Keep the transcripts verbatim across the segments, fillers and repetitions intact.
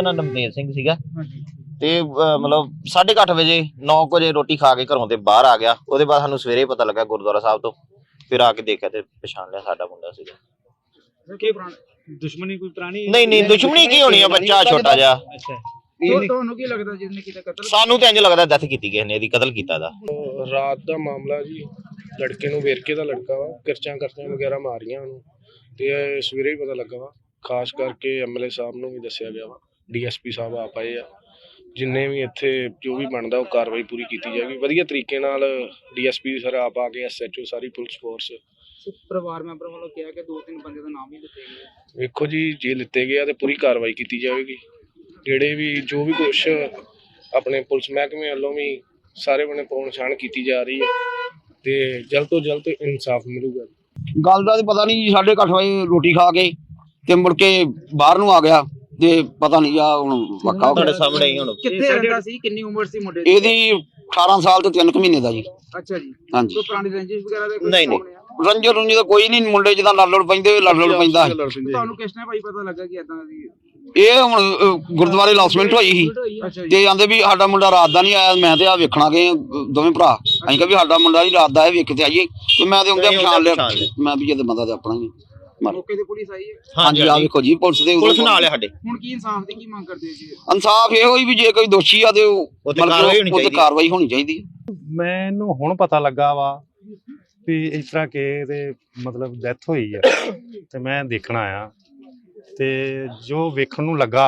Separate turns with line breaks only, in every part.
ਨਾਂ ਨਵਤੇਜ ਸਿੰਘ ਸੀਗਾ ਤੇ मतलब साढ़े अठ बजे नौ बजे रोटी खा के घरों ते बाहर आ गया। ਉਹਦੇ ਬਾਅਦ ਸਾਨੂੰ ਸਵੇਰੇ ਪਤਾ ਲੱਗਾ ਗੁਰਦੁਆਰਾ ਸਾਹਿਬ ਤੋਂ, ਫਿਰ ਆ ਕੇ ਦੇਖਿਆ ਤੇ ਪਛਾਣ ਲਿਆ ਸਾਡਾ ਮੁੰਡਾ ਸੀਗਾ।
ਕਿ ਦੁਸ਼ਮਣੀ ਕੋਈ ਪੁਰਾਣੀ
ਨਹੀਂ ਨਹੀਂ ਦੁਸ਼ਮਣੀ ਕੀ ਹੋਣੀ ਆ, ਬੱਚਾ ਛੋਟਾ ਜਿਹਾ।
ਅੱਛਾ
ਤੁਹਾਨੂੰ ਕੀ ਲੱਗਦਾ ਜਿਸਨੇ ਕੀਤਾ ਕਤਲ?
ਸਾਨੂੰ ਤੇ ਇੰਜ ਲੱਗਦਾ ਡੈਥ ਕੀਤੀ ਕਿਸੇ ਨੇ, ਇਹਦੀ ਕਤਲ ਕੀਤਾ ਦਾ।
ਰਾਤ ਦਾ ਮਾਮਲਾ ਜੀ, ਲੜਕੇ ਨੂੰ ਵੇਰਕੇ ਦਾ ਲੜਕਾ ਵਾ, ਕਿਰਚਾਂ ਕਰਚਾਂ ਵਗੈਰਾ ਮਾਰੀਆਂ ਉਹਨੂੰ ਤੇ ਸਵੇਰੇ ਹੀ ਪਤਾ ਲੱਗਾ ਵਾ। ਖਾਸ ਕਰਕੇ ਐਮਐਲਏ ਸਾਹਿਬ ਨੂੰ ਵੀ ਦੱਸਿਆ ਗਿਆ ਵਾ, ਡੀਐਸਪੀ ਸਾਹਿਬ ਆਪ ਆਏ ਆ। ਜਿੰਨੇ ਵੀ ਇੱਥੇ ਜੋ ਵੀ ਬਣਦਾ ਉਹ ਕਾਰਵਾਈ ਪੂਰੀ ਕੀਤੀ ਜਾਏਗੀ ਵਧੀਆ ਤਰੀਕੇ ਨਾਲ। ਡੀਐਸਪੀ ਸਰ ਆਪ ਆ ਕੇ, ਐਸਐਚਓ ਸਾਰੀ ਪੁਲਿਸ ਫੋਰਸ।
ਪਰਿਵਾਰ ਮੈਂਬਰ ਵੱਲੋਂ ਕਿਹਾ ਕਿ ਦੋ ਤਿੰਨ ਬੰਦੇ ਦਾ ਨਾਮ ਹੀ ਲਿੱਤੇ ਗਏ।
ਵੇਖੋ ਜੀ, ਜੇ ਲਿੱਤੇ ਗਏ ਆ ਤੇ ਪੂਰੀ ਕਾਰਵਾਈ ਕੀਤੀ ਜਾਵੇਗੀ। ਜਿਹੜੇ ਵੀ ਜੋ ਵੀ ਕੁਛ ਆਪਣੇ ਪੁਲਿਸ ਮਹਿਕਮੇ ਵੱਲੋਂ ਵੀ ਸਾਰੇ ਬਣੇ ਪੌਣ ਛਾਣ ਕੀਤੀ ਜਾ ਰਹੀ ਹੈ ਤੇ ਜਲਦ ਤੋਂ ਜਲਦ ਇਨਸਾਫ ਮਿਲੂਗਾ।
ਗੱਲ ਦਾ ਪਤਾ ਨਹੀਂ, ਸਾਢੇ ਅੱਠ ਵਜੇ ਰੋਟੀ ਖਾ ਕੇ ਤੇ ਮੁੜ ਕੇ ਬਾਹਰ ਨੂੰ ਆ ਗਿਆ ਤੇ ਪਤਾ ਨਹੀਂ ਆ ਹੁਣ ਵੱਖਾ
ਤੁਹਾਡੇ ਸਾਹਮਣੇ ਹੀ ਹੁਣ।
ਕਿੱਥੇ ਰਹਿੰਦਾ ਸੀ? ਕਿੰਨੀ ਉਮਰ ਸੀ ਮੁੰਡੇ ਦੀ?
ਇਹਦੀ ਅਠਾਰਾਂ ਸਾਲ ਤੇ ਤਿੰਨ ਕੁ ਮਹੀਨੇ ਦਾ ਜੀ।
ਅੱਛਾ ਜੀ।
ਹਾਂਜੀ।
ਕੋਈ ਪੁਰਾਣੀ ਰੰਜਿਸ਼ ਵਗੈਰਾ ਦੇ?
ਨਹੀਂ ਨਹੀਂ
ਰੰਜੋ ਰੁੰਜੀ ਦਾ ਕੋਈ ਨਹੀਂ, ਮੁੰਡੇ ਜਿੱਦਾਂ ਲੜ ਲੜ ਪੈਂਦੇ ਲੜ ਲੜ ਪੈਂਦਾ।
ਤੁਹਾਨੂੰ ਕਿਸ ਨੇ ਭਾਈ ਪਤਾ ਲੱਗਾ ਕਿ ਏਦਾਂ ਦੀ?
ਇਹ ਹੁਣ ਗੁਰਦੁਆਰੇ ਲਾਸਮੈਂਟ ਹੋਈ ਸੀ ਤੇ ਆਂਦੇ ਵੀ ਸਾਡਾ ਮੁੰਡਾ ਰਾਤ ਦਾ ਨਹੀਂ ਆਇਆ। ਮੈਂ ਤੇ ਆ ਵੇਖਣਾ ਗਏ ਦੋਵੇਂ ਭਰਾ, ਅਸੀਂ ਕਿਹਾ ਵੀ ਸਾਡਾ ਮੁੰਡਾ ਨਹੀਂ ਰਾਤ ਦਾ ਆਇਆ, ਵੇਖ ਕੇ ਆਈਏ। ਤੇ ਮੈਂ ਤੇ ਆਉਂਦੇ ਪਛਾਣ ਲਿਆ, ਮੈਂ ਵੀ ਜਦ ਬੰਦਾ ਤੇ ਆਪਣਾ ਹੀ।
ਮੌਕੇ ਤੇ ਪੁਲਿਸ ਆਈ ਹੈ?
ਹਾਂਜੀ ਆ ਵੇਖੋ ਜੀ, ਪੁਲਿਸ ਦੇ
ਪੁਲਿਸ ਨਾਲ ਆ ਸਾਡੇ।
ਹੁਣ ਕੀ ਇਨਸਾਫ ਦੀ ਕੀ ਮੰਗ ਕਰਦੇ ਜੀ?
ਇਨਸਾਫ ਇਹੋ ਹੀ ਵੀ ਜੇ ਕੋਈ ਦੋਸ਼ੀ ਆ ਤੇ ਉਹ ਕਾਰਵਾਈ ਹੋਣੀ ਚਾਹੀਦੀ ਹੈ।
ਮੈਨੂੰ ਹੁਣ ਪਤਾ ਲੱਗਾ ਵਾ ਵੀ ਇਸ ਤਰ੍ਹਾਂ ਕਿ ਇਹਦੇ ਮਤਲਬ ਡੈਥ ਹੋਈ ਹੈ ਤੇ ਮੈਂ ਦੇਖਣ ਆਇਆ ਤੇ ਜੋ ਵੇਖਣ ਨੂੰ ਲੱਗਾ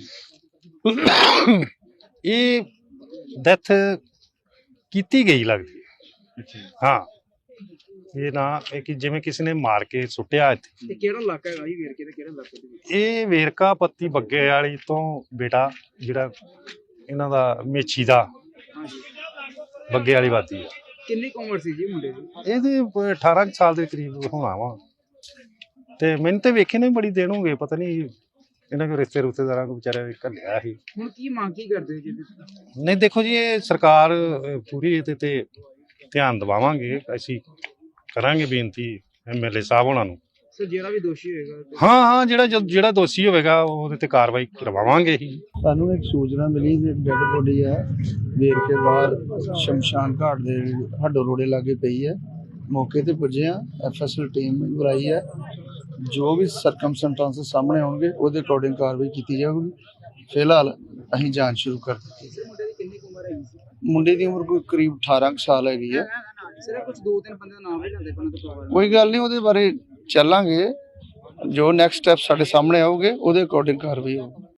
ਇਹ ਡੈਥ ਕੀਤੀ ਗਈ ਲੱਗਦੀ ਹੈ। ਹਾਂ, ਇਹ ਨਾ ਇਹ ਕਿ ਜਿਵੇਂ ਕਿਸੇ ਨੇ ਮਾਰ ਕੇ ਸੁੱਟਿਆ ਇੱਥੇ।
ਇਹ ਕਿਹੜਾ ਇਲਾਕਾ ਹੈਗਾ ਜੀ ਵੇਰਕੇ ਦਾ? ਕਿਹੜਾ ਇਲਾਕਾ ਦੇ ਵਿੱਚ?
ਇਹ ਵੇਰਕਾ ਪੱਤੀ ਬੱਗੇ ਵਾਲੀ ਤੋਂ ਬੇਟਾ ਜਿਹੜਾ ਇਹਨਾਂ ਦਾ ਮੇਛੀ ਦਾ ਬੱਗੇ ਵਾਲੀ ਵਾਦੀ ਆ।
ਕਿੰਨੀ ਕੁ ਉਮਰ ਸੀ ਜੀ ਮੁੰਡੇ ਦੀ?
ਇਹਦੇ ਅਠਾਰਾਂ ਸਾਲ ਦੇ ਕਰੀਬ ਹੋਣਾ ਵਾ ਤੇ ਮੈਨੂੰ ਤੇ ਵੇਖੇ ਨੇ ਬੜੀ ਦੇਰ ਹੋ ਗਏ, ਪਤਾ ਨਹੀਂ ਇਹਨਾਂ ਕੋ ਰਿਸ਼ਤੇ ਰੁਸ਼ਤੇਦਾਰਾਂ ਕੋ ਵਿਚਾਰੇ ਘੱਲਿਆ ਸੀ।
ਹੁਣ ਕੀ ਮੰਗ ਕੀ ਕਰਦੇ ਜੀ?
ਨਹੀਂ ਦੇਖੋ ਜੀ, ਇਹ ਸਰਕਾਰ ਪੂਰੀ ਇਹਦੇ ਤੇ ਧਿਆਨ ਦਿਵਾਵਾਂਗੇ, ਅਸੀਂ ਕਰਾਂਗੇ ਬੇਨਤੀ ਐਮਐਲਏ ਸਾਹਿਬ ਉਹਨਾਂ ਨੂੰ।
ਸਰ ਜਿਹੜਾ ਵੀ ਦੋਸ਼ੀ ਹੋਏਗਾ?
ਹਾਂ ਹਾਂ ਜਿਹੜਾ ਜਿਹੜਾ ਦੋਸ਼ੀ ਹੋਵੇਗਾ ਉਹਦੇ ਤੇ ਕਾਰਵਾਈ ਕਰਵਾਵਾਂਗੇ ਹੀ।
ਸਾਨੂੰ ਇੱਕ ਸੂਚਨਾ ਮਿਲੀ ਕਿ ਡੈਡ ਬੋਡੀ ਹੈ ਵੇਰਕੇ ਬਾਹਰ ਸ਼ਮਸ਼ਾਨ ਘਾਟ ਦੇ ਹੱਡੋ ਰੋੜੇ ਲਾਗੇ ਪਈ ਹੈ। ਮੌਕੇ ਤੇ ਪੁੱਜੇ ਆ, ਐਫਐਸਐਲ ਟੀਮ ਬੁਲਾਈ ਹੈ। ਜੋ ਵੀ ਸਰਕਮਸਟੈਂਸਸ ਸਾਹਮਣੇ ਆਉਣਗੇ ਉਹਦੇ ਅਕੋਰਡਿੰਗ ਕਾਰਵਾਈ ਕੀਤੀ ਜਾਊਗੀ। ਫਿਲਹਾਲ ਅਸੀਂ ਜਾਂਚ ਸ਼ੁਰੂ ਕਰ ਦਿੱਤੀ।
ਮੁੰਡੇ ਦੀ ਕਿੰਨੀ ਉਮਰ ਹੈ?
ਮੁੰਡੇ ਦੀ ਉਮਰ ਕੋਈ ਕਰੀਬ ਅਠਾਰਾਂ ਕੁ ਸਾਲ ਹੈਗੀ ਹੈ।
ਸਰ ਕੁਝ ਦੋ ਤਿੰਨ ਬੰਦੇ ਦਾ ਨਾਮ ਵੀ ਲੈਂਦੇ ਪਨ ਤੋਂ?
ਕੋਈ ਗੱਲ ਨਹੀਂ, ਉਹਦੇ ਬਾਰੇ ਚੱਲਾਂਗੇ। ਜੋ ਨੈਕਸਟ ਸਟੈਪ ਸਾਡੇ ਸਾਹਮਣੇ ਆਉਗੇ ਉਹਦੇ ਅਕੋਰਡਿੰਗ ਕਾਰਵਾਈ ਹੋਊਗੀ।